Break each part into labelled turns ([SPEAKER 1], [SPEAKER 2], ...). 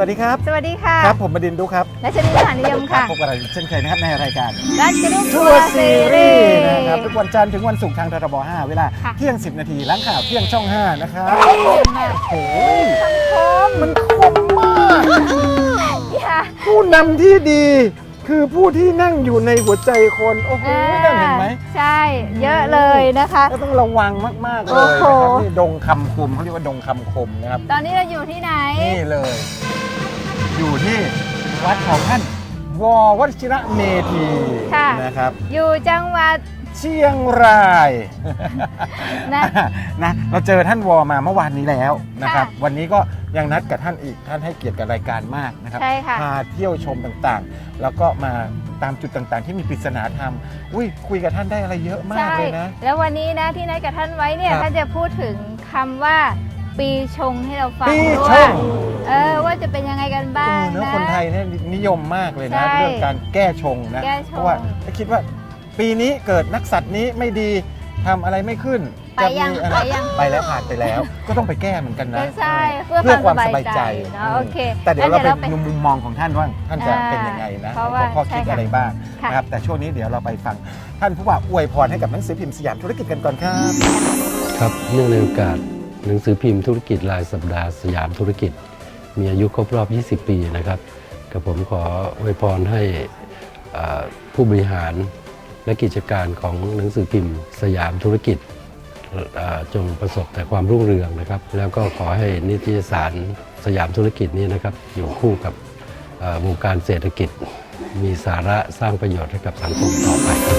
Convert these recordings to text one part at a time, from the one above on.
[SPEAKER 1] วัสดีครับ
[SPEAKER 2] สวัสดีค่ะ
[SPEAKER 1] ครับผมบดินทร์ดุครับ
[SPEAKER 2] และชนิดสารนิยมค่ะ
[SPEAKER 1] พบกับเราเช่นเคยนะครับในรายการ
[SPEAKER 2] รัชนุ
[SPEAKER 1] ทัวร์ซีรีส์นะครับทุกวันจันทร์ถึงวันศุกร์ทางททบ 5 เวลาเที่ยง 10 นาทีหลังข่าวเที่ยงช่อง 5 นะครับโอ้ยมันคมมากผู้นำที่ดีคือผู้ที่นั่งอยู่ในหัวใจคนโอ้โหนั่นเห็นไหม
[SPEAKER 2] ใช่เยอะเลยนะคะ
[SPEAKER 1] ก็ต้องระวังมากๆเลยนะครับนี่ดงคำคมเขาเรียกว่าดงคำคมนะครับ
[SPEAKER 2] ตอนนี้เราอยู่ที่ไหน
[SPEAKER 1] นี่เลยอยู่ที่วัดของท่านววชิระเมธีนะครับ
[SPEAKER 2] อยู่จังหวัด
[SPEAKER 1] เชียงรายนะเราเจอท่านวมาเมื่อวานนี้แล้วนะครับวันนี้ก็ยังนัดกับท่านอีกท่านให้เกียรติกับรายการมากนะครับพาเที่ยวชมต่างๆแล้วก็มาตามจุดต่างๆที่มีปริศนาธรรมคุยกับท่านได้อะไรเยอะมากเลยนะ
[SPEAKER 2] แล้ววันนี้นะที่นัดกับท่านไว้เนี่ยท่านจะพูดถึงคำว่าปีชงให้เราฟังด้วยว่าจะเป็นยังไงกันบ้างนะ
[SPEAKER 1] คนไทยเนี่ยนิยมมากเลยนะเรื่องการแก้ชงนะเพราะว่าคิดว่าปีนี้เกิดนักสัตว์นี้ไม่ดีทำอะไรไม่ขึ้น
[SPEAKER 2] ไปยัง
[SPEAKER 1] ไปแล้วผ่านไปแล้วก็ต้องไปแก้เหมือนกันนะ
[SPEAKER 2] ใช่
[SPEAKER 1] เพื่อความสบายใจ
[SPEAKER 2] โอเค
[SPEAKER 1] แต่เดี๋ยวเราไปดูมุมมองของท่านว่าท่านจะเป็นยังไงนะข้อคิดอะไรบ้างนะครับแต่ช่วงนี้เดี๋ยวเราไปฟังท่านผู้ว่าอวยพรให้กับหนังสือพิมพ์สยามธุรกิจกันก่อนครับ
[SPEAKER 3] ครับเนื่องในโอกาสหนังสือพิมพ์ธุรกิจรายสัปดาห์สยามธุรกิจมีอายุครบรอบ 20 ปีนะครับกับผมขออวยพรให้ผู้บริหารและกิจการของหนังสือพิมพ์สยามธุรกิจจงประสบแต่ความรุ่งเรืองนะครับแล้วก็ขอให้นิตยสารสยามธุรกิจนี้นะครับอยู่คู่กับวงการเศรษฐกิจมีสาระสร้างประโยชน์ให้กับสังคมต่อไปครับ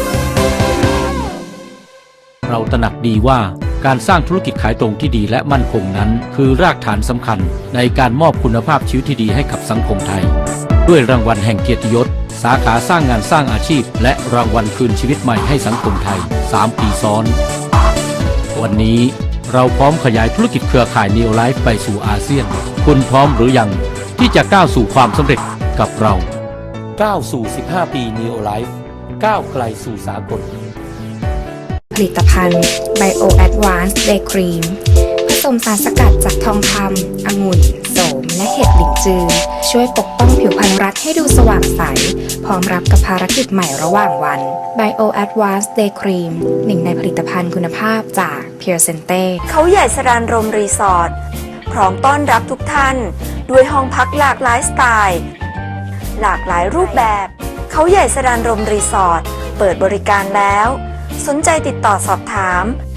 [SPEAKER 4] เราตระหนักดีว่าการสร้างธุรกิจขายตรงที่ดีและมั่นคงนั้นคือรากฐานสำคัญในการมอบคุณภาพชีวิตที่ดีให้กับสังคมไทยด้วยรางวัลแห่งเกียรติยศสาขาสร้างงานสร้างอาชีพและรางวัลคืนชีวิตใหม่ให้สังคมไทย3 ปีซ้อนวันนี้เราพร้อมขยายธุรกิจเครือข่าย Neo Life ไปสู่อาเซียนคุณพร้อมหรือยังที่จะก้าวสู่ความสำเร็จกับเราก้าวสู่15 ปี Neo Life ก้าวไกลสู่สากล
[SPEAKER 5] ผลิตภัณฑ์ Bio Advanced Day Cream ผสมสารสกัดจากทองคำองุ่นโสมและเห็ดหลิงจือช่วยปกป้องผิวพรรณรัฐให้ดูสว่างใสพร้อมรับกับภารกิจใหม่ระหว่างวัน Bio Advanced Day Cream หนึ่งในผลิตภัณฑ์คุณภาพจาก Pure Sente
[SPEAKER 6] เขาใหญ่สรานรมรีสอร์ทพร้อมต้อนรับทุกท่านด้วยห้องพักหลากหลายสไตล์หลากหลายรูปแบบเขาใหญ่สรานรมรีสอร์ทเปิดบริการแล้วสนใจติดต่อสอบถาม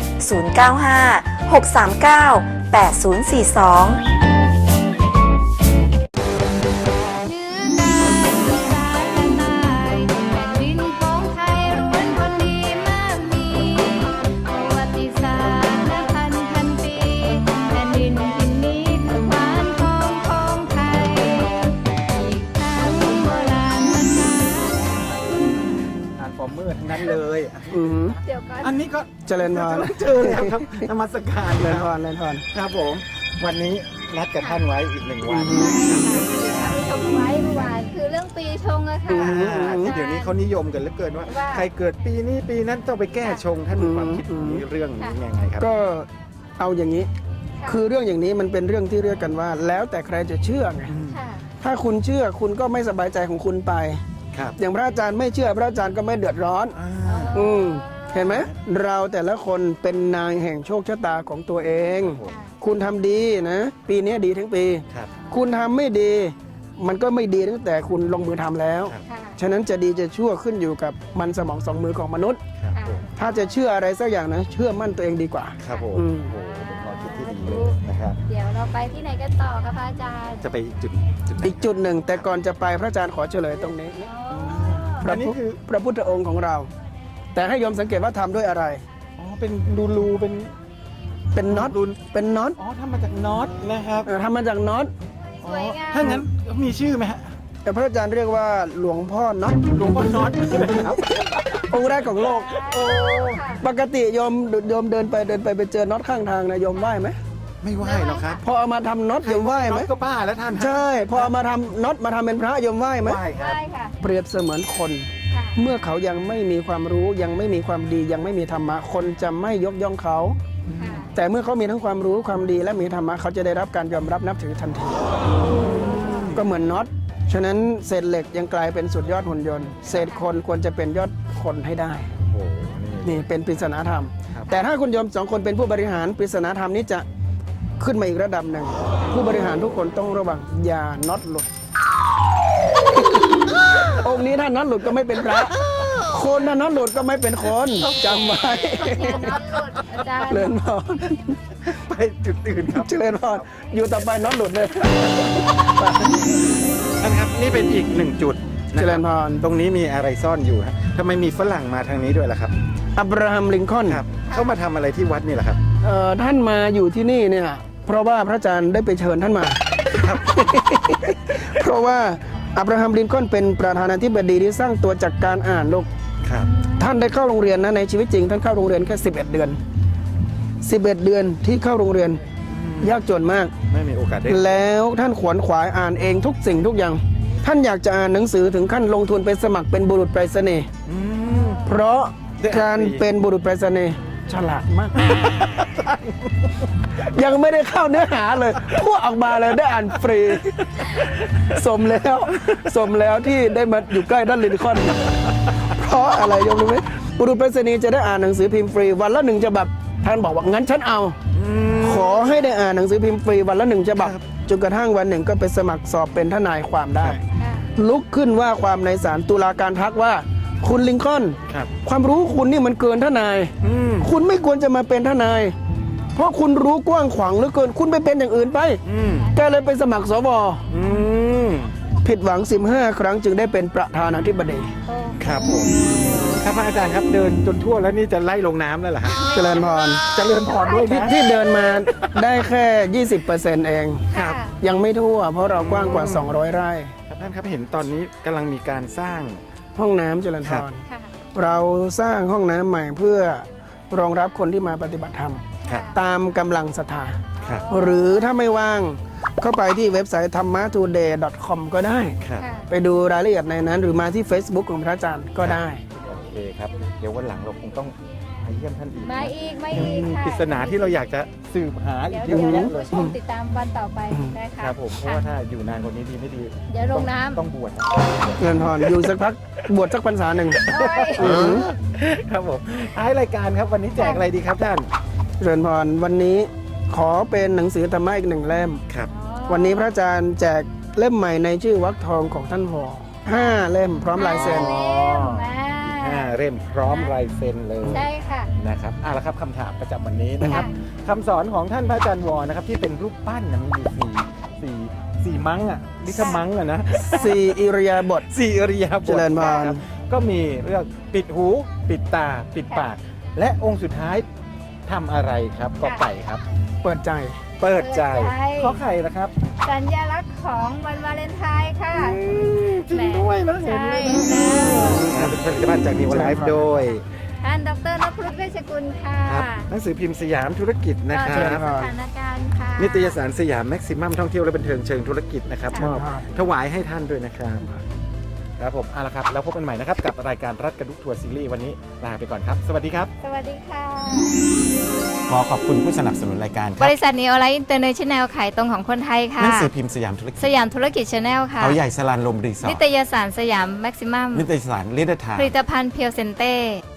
[SPEAKER 6] 095-639-8042
[SPEAKER 1] นั้นเลยอันนี้ก็
[SPEAKER 7] เจริญพร
[SPEAKER 1] เจอแล้วครับนมัสการ
[SPEAKER 7] เจริญพร
[SPEAKER 1] ครับผมวันนี้นัดกับท่านไว้อีก1 วัน
[SPEAKER 2] ชมไว้เมื่อวานคือเรื่องปีชงอะค่ะ
[SPEAKER 1] เดี๋ยวนี้เขานิยมกันเหลือเกินว่าใครเกิดปีนี้ปีนั้นต้องไปแก้ชงท่านมีความคิดนี้เรื่องนี้ยังไงครับ
[SPEAKER 7] ก็เอาอย่างนี้คือเรื่องอย่างนี้มันเป็นเรื่องที่เรียกกันว่าแล้วแต่ใครจะเชื่อไงถ้าคุณเชื่อคุณก็ไม่สบายใจของคุณไปอย่างพระอาจารย์ไม่เชื่อพระอาจารย์ก็ไม่เดือดร้อนเห็นไหมเราแต่ละคนเป็นนายแห่งโชคชะตาของตัวเองคุณทำดีนะปีนี้ดีทั้งปีคุณทำไม่ดีมันก็ไม่ดีตั้งแต่คุณลงมือทำแล้วฉะนั้นจะดีจะชั่วขึ้นอยู่กับมันสมอง2 มือของมนุษย์ถ้าจะเชื่ออะไรสักอย่างนะเชื่อมั่นตัวเองดีกว่า
[SPEAKER 1] ครับผมเป็นความคิดที่ดีเลยนะครับ
[SPEAKER 2] เดี๋ยวเราไปที่ไหนกันต่อครับพระอาจารย์
[SPEAKER 1] จะไป
[SPEAKER 7] อีกจุดหนึ่งแต่ก่อนจะไปพระอาจารย์ขอเฉลยตรงนี้อันนี้คือพระพุทธองค์ของเราแต่ให้โยมสังเกตว่าทำด้วยอะไร
[SPEAKER 1] เป็นรูเป็น
[SPEAKER 7] น็อตเป็นน็อต
[SPEAKER 1] ทำมาจากน็อตนะครับ
[SPEAKER 7] ทำมาจากน็อต
[SPEAKER 1] ถ้างั้นมีชื่อไหมฮะ
[SPEAKER 7] แต่พระอาจารย์เรียกว่าหลวงพ่อน็อตครับองค์แรกของโลกปกติโยมเดินไปเจอน็อตข้างทางนะโยมไหว้ไหม
[SPEAKER 1] ไม่ไหว้หรอกครับ
[SPEAKER 7] พอเอามาทำน็อตโยมไหว้ไหม
[SPEAKER 1] ก็บ้าแล้วท่าน
[SPEAKER 7] ใช่พอเอามาทำน็อตมาทำเป็นพระโยมไหว้ไหม
[SPEAKER 1] ไหว้ครับ
[SPEAKER 7] เปรียบเสมือนคนเมื่อเขายังไม่มีความรู้ยังไม่มีความดียังไม่มีธรรมะคนจะไม่ยกย่องเขาแต่เมื่อเขามีทั้งความรู้ความดีและมีธรรมะเขาจะได้รับการยอมรับนับถือทันทีก็เหมือนน็อตฉะนั้นเศษเหล็กยังกลายเป็นสุดยอดหุ่นยนต์เศษคนควรจะเป็นยอดคนให้ได้
[SPEAKER 1] โอ้โหนี่
[SPEAKER 7] นี่เป็นปริศนาธรรม
[SPEAKER 1] ครับ
[SPEAKER 7] แต่ถ้าคุณโยม2 คนเป็นผู้บริหารปริศนาธรรมนี้จะขึ้นมาอีกระดับหนึ่งผู้บริหารทุกคนต้องระวังอย่าน็อตหลุด องค์นี้ถ้าน็อตหลุดก็ไม่เป็นพระคนถ้าน็อตหลุดก็ไม่เป็นคนจำไว้
[SPEAKER 2] อย่าน็อตหลุดอาจารย์
[SPEAKER 7] เจริญพร
[SPEAKER 1] ไปจุดอื่นครับ
[SPEAKER 7] เจริญพรอยู่ต่อไปน็อตหลุดเลย
[SPEAKER 1] ท่านครับนี่เป็นอีกหนึ่งจุดนะ
[SPEAKER 7] เจ
[SPEAKER 1] ค
[SPEAKER 7] ริ
[SPEAKER 1] บ
[SPEAKER 7] ญพร
[SPEAKER 1] ตรงนี้มีอะไรซ่อนอยู่ฮะทำไมมีฝรั่งมาทางนี้ด้วยล่ะครับ
[SPEAKER 7] อับราฮัมลิงคอล์น
[SPEAKER 1] ครับเขามาทำอะไรที่วัดนี่แหละครับ
[SPEAKER 7] ท่านมาอยู่ที่นี่เนี่ยเพราะว่าพระอาจารย์ได้ไปเชิญท่านมา เพราะว่าอับราฮัมลินคอล์นเป็นประธานาธิบดีที่สร้างตัวจากการอ่านลูก
[SPEAKER 1] ครับ
[SPEAKER 7] ท่านได้เข้าโรงเรียนนะในชีวิตจริงท่านเข้าโรงเรียนแค่11 เดือน 11 เดือนที่เข้าโรงเรียนยากจนมาก
[SPEAKER 1] ไม่มีโอกาสได้
[SPEAKER 7] แล้วท่านขวนขวายอ่านเองทุกสิ่งทุกอย่าง ท่านอยากจะอ่านหนังสือถึงขั้นลงทุนไปสมัครเป็นบุรุษไปรษณีย์
[SPEAKER 1] อืม
[SPEAKER 7] เพราะ
[SPEAKER 1] ได้อ่าน
[SPEAKER 7] การเป็นบุรุษไปรษณีย์ฉลาดมาก ยังไม่ได้เข้าเนื้อหาเลยพูดออกมาเลยได้อ่านฟรี สมแล้วที่ได้มาอยู่ใกล้ด้านลินคอล์นเพราะอะไรยมรู้ไหมบุรุษไปรษณีย์จะได้อ่านหนังสือพิมพ์ฟรีวันละ1 ฉบับท่านบอกว่างั้นฉันเอา ขอให้ได้อ่านหนังสือพิมพ์ฟรีวันละ1 ฉบับจนกระทั่งวันหนึ่งก็ไปสมัครสอบเป็นทนายความได้
[SPEAKER 2] ค่ะ
[SPEAKER 7] ลุกขึ้นว่าความในศาลตุลาการทักว่าคุณลิงคอล์น
[SPEAKER 1] ครับ
[SPEAKER 7] ความรู้คุณนี่มันเกินทนาย
[SPEAKER 1] อืม
[SPEAKER 7] คุณไม่ควรจะมาเป็นทนาย เพราะคุณรู้กว้างขวางเหลือเกิน คุณไปเป็นอย่างอื่นไป
[SPEAKER 1] อืม
[SPEAKER 7] แกเลยไปสมัครสว
[SPEAKER 1] อืม
[SPEAKER 7] ผิดหวัง 15 ครั้งจึงได้เป็นประธานาธิบดี
[SPEAKER 2] โอ้
[SPEAKER 1] ครับผมครับพระอาจารย์ครับเดินจนทั่วแล้วนี่จะไล่ลงน้ำแล้วเหรอฮะ
[SPEAKER 7] เจริญพร
[SPEAKER 1] เจริญพรด้วย
[SPEAKER 7] ที่
[SPEAKER 1] นะ
[SPEAKER 7] ที่เดินมาได้แค่ 20%เอง
[SPEAKER 1] ครับ
[SPEAKER 7] ยังไม่ทั่ว เพราะเรากว้างกว่า 200 ไร่
[SPEAKER 1] ครับท่านครับเห็นตอนนี้กำลังมีการสร้าง
[SPEAKER 7] ห้องน้ำเจริญพ
[SPEAKER 1] ครับ
[SPEAKER 7] ร
[SPEAKER 2] ค่ะ
[SPEAKER 7] เราสร้างห้องน้ำใหม่เพื่อรองรับคนที่มาปฏิบัติธรรม
[SPEAKER 1] ครับ
[SPEAKER 7] ตามกำลังศรัทธา
[SPEAKER 1] ครับ
[SPEAKER 7] หรือถ้าไม่ว่างเข้าไปที่เว็บไซต์ thamma-today.com ก็ได้
[SPEAKER 1] ครับ
[SPEAKER 2] ค่ะ
[SPEAKER 7] ไปดูรายละเอียดในนั้น หรือมาที่ Facebook ของพระอาจารย์ก็ได้
[SPEAKER 1] โอเคครับ เดี๋ยววันหลังเราคงต้องมาเยี่ยมท่านอีก
[SPEAKER 2] มาอีกค่ะ
[SPEAKER 1] ปริศนาที่เราอยากจะสืบหาอี
[SPEAKER 2] เดี๋
[SPEAKER 1] ก
[SPEAKER 2] ยว
[SPEAKER 1] เยอะ
[SPEAKER 2] เดี๋ยว
[SPEAKER 1] แยะเลย
[SPEAKER 2] ผู้ชมติดตามวันต่อไปนะคะ
[SPEAKER 1] ครับผมเพราะว่าถ้าอยู่นานกว่านี้ดีไม่ดี
[SPEAKER 2] เดี๋ยวลงน้ำ
[SPEAKER 1] ต้องบวชนะ
[SPEAKER 7] เงินพรอยู่สักพักบวชสักพรรษาหนึ่ง
[SPEAKER 2] โอ้ย
[SPEAKER 1] ครับผมท้ายรายการครับวันนี้แจกอะไรดีครับท่าน
[SPEAKER 7] เงินพรวันนี้ขอเป็นหนังสือธรรมะอีก 1 เล่ม
[SPEAKER 1] ครับ
[SPEAKER 7] วันนี้พระอาจารย์แจกเล่มใหม่ในชื่อวรรคทองของท่านวอ5 เล่มพร้อมลายเซ็น
[SPEAKER 1] เล่มพร้อมลายเซ็นเลย
[SPEAKER 2] ใช่ค่ะ
[SPEAKER 1] นะครับละครับคำถามประจำวันนี้นะครับ
[SPEAKER 2] ค่ะ
[SPEAKER 1] คำสอนของท่านพระอาจารย์วอนะครับที่เป็นรูปปั้นนะมีอยู่สี่มังอ่ะลิทมังอ่ะนะ
[SPEAKER 7] 4 อิริยาบถ
[SPEAKER 1] สี่อริยบท
[SPEAKER 7] เจริญพร
[SPEAKER 1] นะครับก็มีเรื่องปิดหูปิดตาปิดปาก และองค์สุดท้ายทำอะไรครับก็ไก่ครับ
[SPEAKER 7] เปิดใจ
[SPEAKER 1] เปิดใจ
[SPEAKER 2] เปิดใจ
[SPEAKER 1] ข้อไข่นะครับ
[SPEAKER 2] สัญลักษณ์ของวันวาเลนไทน์ค่ะ
[SPEAKER 1] จริงด้วยนะเห็น
[SPEAKER 2] ใช่
[SPEAKER 1] เลย
[SPEAKER 2] แล้ว
[SPEAKER 1] เป็นผลิตภัณฑ์จากนิวไลฟ์โดย
[SPEAKER 2] ท่านดรนพรุตเวชกุลค่ะ
[SPEAKER 1] ครับหนังสือพิมพ์สยามธุรกิจนะค
[SPEAKER 2] ก็
[SPEAKER 1] รั
[SPEAKER 2] เช็ค
[SPEAKER 1] บ
[SPEAKER 2] สถานการณ์ค่ะ
[SPEAKER 1] นิตยสารสยามแม็กซิมัมท่องเที่ยวและบันเทิงเชิงธุรกิจนะครับ
[SPEAKER 2] ค่ะ
[SPEAKER 1] มอบถวายให้ท่านด้วยนะครับครับผมละครับแล้วพบกันใหม่นะครับกับรายการรัฐกระดุกทัวร์ซีรีส์วันนี้ลาไปก่อนครับ สวัสดีครับ
[SPEAKER 2] สวัสดีค่ะ
[SPEAKER 1] ขอขอบคุณผู้สนับสนุนรายการครับ
[SPEAKER 2] บริษัทนีโอไลท์อินเตอร์เนชั่นแนลขายตรงของคนไทยค่ะ
[SPEAKER 1] หนังสือพิมพ์สยามธุรกิจ
[SPEAKER 2] สยามธุรกิจชาแนลค่ะ
[SPEAKER 1] เขาใหญ่สลานลมรีสอ
[SPEAKER 2] นิ
[SPEAKER 1] ร์
[SPEAKER 2] ต
[SPEAKER 1] ท
[SPEAKER 2] ยสารสยามแม็กซิมัม
[SPEAKER 1] นิตยสารลิเดอร์ทา
[SPEAKER 2] ผลิตภัณฑ์เพียวเซนเต้